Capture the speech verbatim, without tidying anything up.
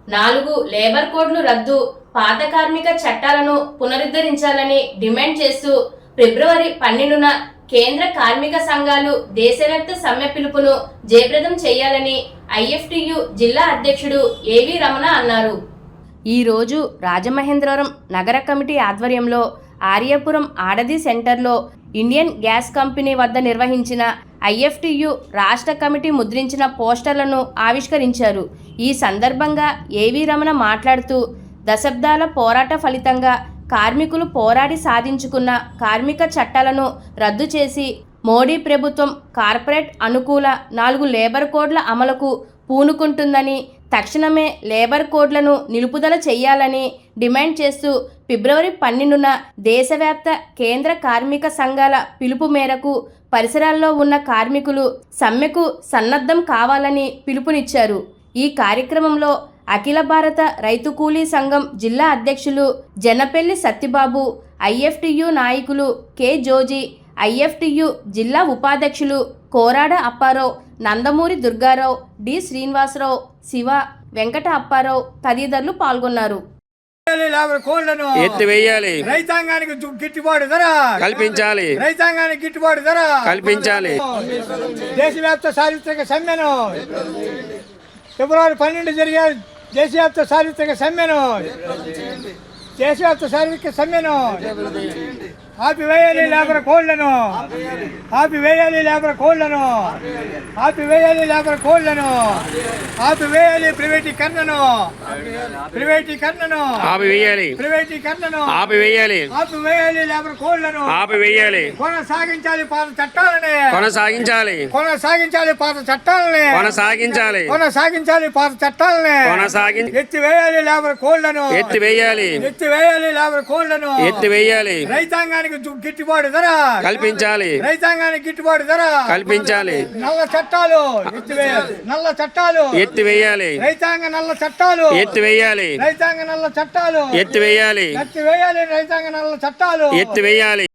నాలుగు లేబర్ కోడ్లు రద్దు, పాత కార్మిక చట్టాలను పునరుద్ధరించాలని డిమాండ్ చేస్తూ ఫిబ్రవరి పన్నెండున కేంద్ర కార్మిక సంఘాలు దేశవ్యాప్త సమ్మె పిలుపును జయప్రదం చేయాలని ఐఎఫ్టియు జిల్లా అధ్యక్షుడు ఏవి రమణ అన్నారు. ఈరోజు రాజమహేంద్రవరం నగర కమిటీ ఆధ్వర్యంలో ఆర్యపురం ఆడది సెంటర్లో ఇండియన్ గ్యాస్ కంపెనీ వద్ద నిర్వహించిన ఐఎఫ్టియు రాష్ట్ర కమిటీ ముద్రించిన పోస్టర్లను ఆవిష్కరించారు. ఈ సందర్భంగా ఏవి రమణ మాట్లాడుతూ దశాబ్దాల పోరాట ఫలితంగా కార్మికులు పోరాడి సాధించుకున్న కార్మిక చట్టాలను రద్దు చేసి మోడీ ప్రభుత్వం కార్పొరేట్ అనుకూల నాలుగు లేబర్ కోడ్ల అమలుకు పూనుకుంటుందని, తక్షణమే లేబర్ కోడ్లను నిలుపుదల చేయాలని డిమాండ్ చేస్తూ ఫిబ్రవరి పన్నెండున దేశవ్యాప్త కేంద్ర కార్మిక సంఘాల పిలుపు మేరకు పరిసరాల్లో ఉన్న కార్మికులు సమ్మెకు సన్నద్ధం కావాలని పిలుపునిచ్చారు. ఈ కార్యక్రమంలో అఖిల భారత రైతు కూలీ సంఘం జిల్లా అధ్యక్షులు జనపెల్లి సత్యబాబు, ఐఎఫ్టియు నాయకులు కె జోజీ, ఐఎఫ్టియు జిల్లా ఉపాధ్యక్షులు కోరాడ అప్పారావు, నందమూరి దుర్గారావు, డి శ్రీనివాసరావు, శివ, వెంకట అప్పారావు తదితరులు పాల్గొన్నారు. ఎత్తివేయాలి, రైతాంగానికి గిట్టుబాటు ధర కల్పించాలి, రైతాంగానికి గిట్టుబాటు ధర కల్పించాలి. దేశవ్యాప్త చారిత్రక సమ్మెను ఫిబ్రవరి పన్నెండు జరిగే దేశవ్యాప్త చారిత్రక సమ్మెను దేశవ్యాప్త చారిత్రక సమ్మెను ఆపివేయాలి లేబర్ కోడ్లను ఆపివేయాలి లేబర్ కోడ్లను ఆపివేయాలి లేబర్ కోడ్లను ఆపివేయాలి ప్రైవేటీకరణను ప్రైవేటీకరణను ఆపివేయాలి ప్రైవేటీకరణను ఆపివేయాలి ఆపివేయాలి లేబర్ కోడ్లను ఆపివేయాలి కొనసాగించాలి పాత చట్టాలని కొనసాగించాలి కొనసాగించాలి పాత చట్టాలని కొనసాగించాలి కొనసాగించాలి పాత చట్టాలని కొనసాగి ఎత్తివేయాలి లేబర్ కోడ్లను ఎత్తివేయాలి ఎత్తివేయాలి లేబర్ కోడ్లను ఎత్తివేయాలి. రైతాంగానికి గిట్టుబాటు ధర కల్పించాలి, రైతాంగానికి గిట్టుబాటు ధర కల్పించాలి. నల్ల చట్టాలు ఎత్తివేయాలి, నల్ల చట్టాలు ఎత్తివేయాలి, రైతాంగ నల్ల చట్టాలు ఎత్తివేయాలి, రైతాంగ నల్ల చట్టాలు ఎత్తివేయాలి, ఎత్తివేయాలి రైతాంగ నల్ల చట్టాలు ఎత్తివేయాలి.